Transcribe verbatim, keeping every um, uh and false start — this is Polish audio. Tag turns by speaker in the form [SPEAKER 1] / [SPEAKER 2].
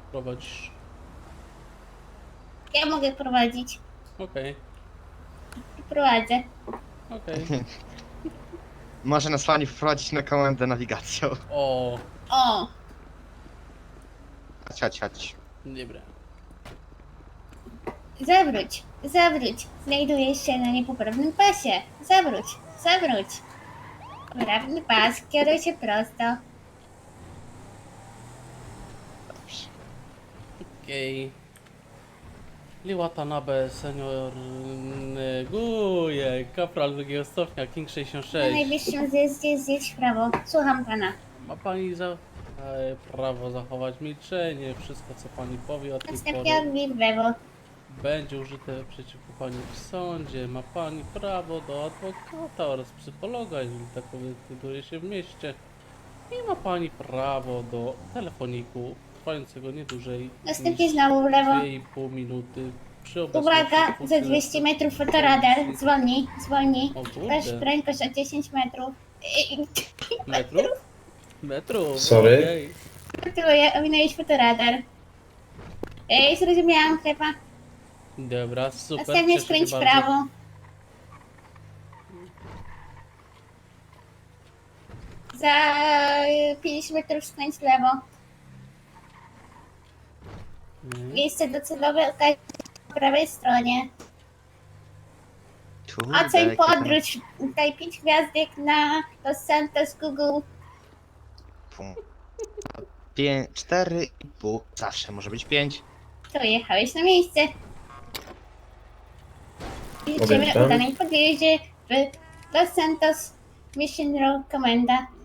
[SPEAKER 1] prowadzisz?
[SPEAKER 2] Ja mogę prowadzić.
[SPEAKER 1] Okej,
[SPEAKER 2] Prowadzę.
[SPEAKER 1] okej.
[SPEAKER 3] Może nas pani wprowadzić na komendę nawigacją.
[SPEAKER 1] O,
[SPEAKER 2] O,
[SPEAKER 3] Chodź, chodź, chodź.
[SPEAKER 1] dobra.
[SPEAKER 2] zawróć, zawróć. Znajdujesz się na niepoprawnym pasie. Zawróć, zawróć. Poprawny pas, kieruj się prosto.
[SPEAKER 3] Dobrze.
[SPEAKER 1] Okej. Liwatanabe, senior neguje, kapral drugiego stopnia, King sześćdziesiąt
[SPEAKER 2] Na
[SPEAKER 1] sześć.
[SPEAKER 2] najbliższym zjeździe zjedź w prawo. Słucham pana.
[SPEAKER 1] Ma pani za... e, prawo zachować milczenie, wszystko co pani powie od tej
[SPEAKER 2] Następnie
[SPEAKER 1] pory
[SPEAKER 2] odbij w lewo.
[SPEAKER 1] będzie użyte przeciwko pani w sądzie. Ma pani prawo do adwokata oraz psychologa, jeżeli takowy znajduje się w mieście. I ma pani prawo do telefoniku trwającego nie dłużej
[SPEAKER 2] Następnie
[SPEAKER 1] niż
[SPEAKER 2] znowu w lewo.
[SPEAKER 1] dwie i pół minuty przy obecności
[SPEAKER 2] Uwaga, za
[SPEAKER 1] funkcjonariuszy
[SPEAKER 2] dwieście metrów fotoradar. Zwolnij, zwolnij.
[SPEAKER 1] O kurde.
[SPEAKER 2] Masz prędkość o dziesięć metrów. Ej,
[SPEAKER 1] Metrów? Metrów,
[SPEAKER 4] Sorry?
[SPEAKER 1] okej.
[SPEAKER 2] gratuluję, ominąłeś fotoradar. Ej, zrozumiałam, klepa.
[SPEAKER 1] Dobra, super.
[SPEAKER 2] Następnie
[SPEAKER 1] cieszę się
[SPEAKER 2] skręć w
[SPEAKER 1] bardzo.
[SPEAKER 2] prawo. Za pięć metrów skręć w lewo.
[SPEAKER 1] Mhm.
[SPEAKER 2] Miejsce docelowe okaże się po prawej stronie.
[SPEAKER 3] Tu,
[SPEAKER 2] Oceń
[SPEAKER 3] dalekie tam-
[SPEAKER 2] podróż. Daj pięć gwiazdek na Los Santos Google.
[SPEAKER 3] Pum. Pię... Cztery i pół. Zawsze może być pięć.
[SPEAKER 2] To jechałeś na miejsce. Życzymy
[SPEAKER 4] Odjeżdżam.
[SPEAKER 2] udanej podjeździe w Los Santos Mission Road Komenda.